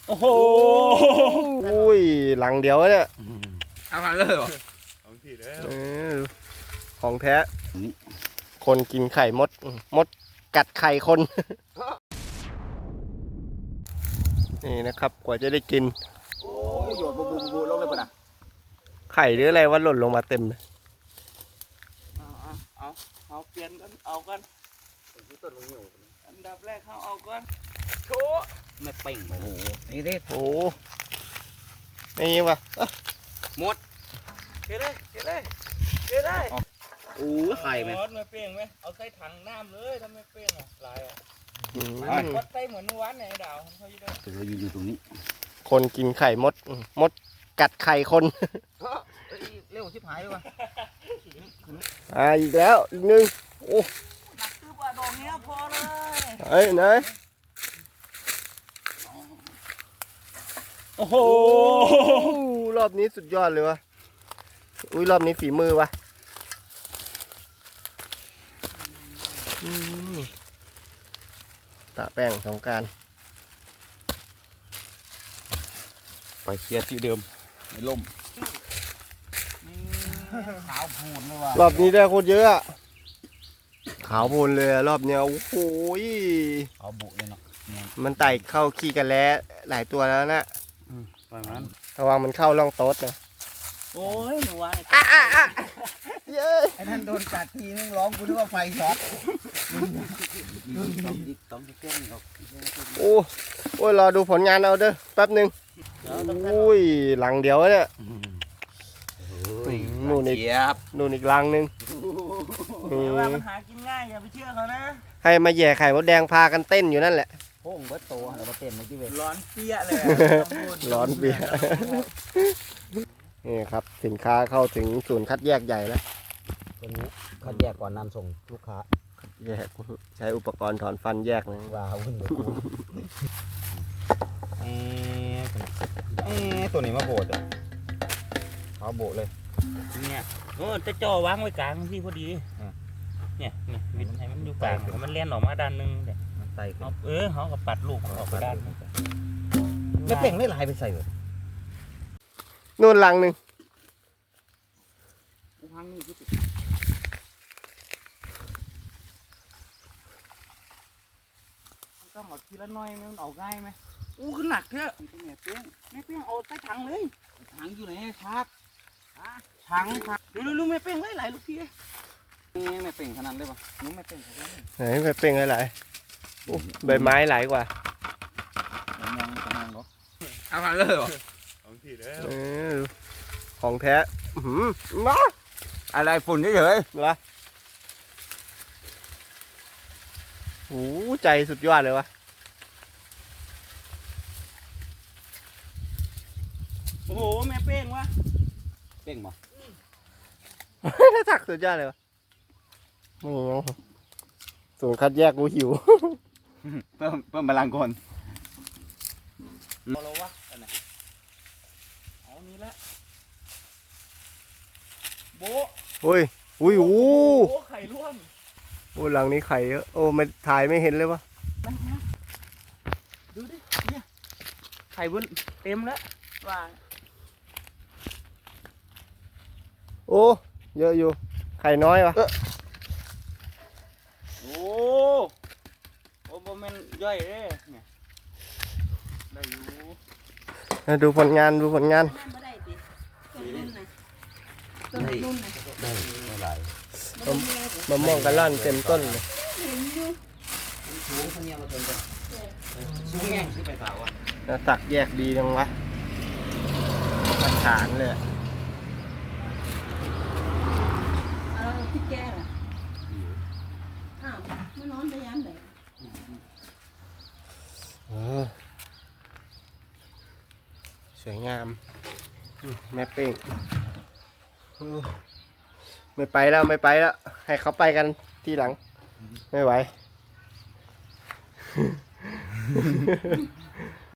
โอ้โหอุ้ยหลังเดียวเนี่ยเอามาเลยเหรอของแท้คนกินไข่มดมดกัดไข่คนนี่นะครับกว่าจะได้กินโอ้โยนบูลงเลยป่ะนะไข่หรืออะไรว่าหล่นลงมาเต็มเลยเอาเปลี่ยนกันเอากันอันดับแรกเขาเอากันโชว์ไม่เป่งโอ้โหนี่ดิโอ้นี่วะหมดเฮ้ยโอ้ไข่ไหมไม่เป่งไหมเอาใส่ถังน้ำเลยถ้าไม่เป่งอ่ะลายอ่ะวัดใส่เหมือนเมื่อวานเนี่ยดาวเขาอยู่ตรงนี้คนกินไข่มดกัดไข่คนเร็วชิบหายเลยว่ะอีกแล้วอีกนึงโอ้หนักคือว่าดอกเนี้ยพอเลยเฮ้ยไหนโอ้โหรอบนี้สุดยอดเลยวะอุ้ยรอบนี้ฝีมือวะตะแป้งสงกรานต์ไปเคลียร์ที่เดิมในร่มขาวพูนเลยว่ะรอบนี้ได้โคตรเยอะขาวพูนเลยรอบเนี้ยโอ้โหขาวบุเลยเนาะมันไต่เข้าขี้กันแล้วหลายตัวแล้วนะประมาณระวังมันเข้าร่องโต๊ดนะโอ้ยหนูว่าเย้ไอ้ท่านโดนกัดทีนึงร้องกูนึกว่าไฟช็อตต้องเต้นออกโอ้ยรอดูผลงานเอาเด้อแป๊บนึงอุ้ยหลังเดียวเนี่ยนู่นอีกหลังนึงว่ามันหากินง่ายอย่าไปเชื่อเขานะให้มาแย่ไข่มดแดงพากันเต้นอยู่นั่นแหละโอ้งเบิร์ตโตเรามาเต้นเมื่อกี้เว้ยร้อนเปี้ยเลยร้อนเปี้ยนี่ครับสินค้าเข้าถึงศูนย์คัดแยกใหญ่แล้วตัวนี้คัดแยกก่อนนำส่งลูกค้าแยกใช้อุปกรณ์ถอนฟันแยกเลยว้าวขึ้นเลยตัวนี้มาโบดเขาโบดเลยเนี่ยโอ้จะจ่อวางไว้กลางที่พอดีเนี่ยวิดให้มันอยู่กลางมันเลี้ยนออกมาด้านนึงเนี่ยมันใส่เขากับปัดลูกออกไปด้านไม่เป่งไม่ลายไปใส่เลยนู่นหลังนึงก็หมดทีละน้อยมันเอาง่ายไหมขึ้นหนักเถอะไม่เปี้ยงเอาใส่ถังเลยถังอยู่ไหนครับถังดูไม่เปี้ยงเลยหลายลูกพี่ไม่เปี้ยงขนาดเลยป่ะนู้ไม่เปี้ยงขนาดไหนไม่เปี้ยงอะไรใบไม้หลายกว่าเอามาเลยเหรอของแท้มาอะไรฝุ่นเฉยๆเหรอโอ้ใจสุดยอดเลยวะโอ้โหแม่เป้งวะเป้งมั้งถ้าถักสุดยอดเลยวะไม่ยังศูนย์คัดแยกกูหิวเพิ่มพลังคนเราวะอะไรเอานี้ละโบอุ้ยโอ้ไข่ร่วงโอ้หลังนี้ไข่เยอะโอ้ไม่ถ่ายไม่เห็นเลยวะดูดิเนี่ยไข่บนเต็มแล้วว่าโอ้เยอะอยู่ไข่น้อยวะโอ้โบมันย่อยเลยเนี่ยได้อยู่ดูผลงานได้หลายมะม่วงกระล่อนเต็มต้นเลยสูงแง่งขึ้นไปเปล่าวะตักแยกดีจังวะมาฐานเลยที่แก่ไม่นอนไปยันไหนสวยงามแม่เป้งไม่ไปแล้วให้เขาไปกันทีหลังไม่ไหว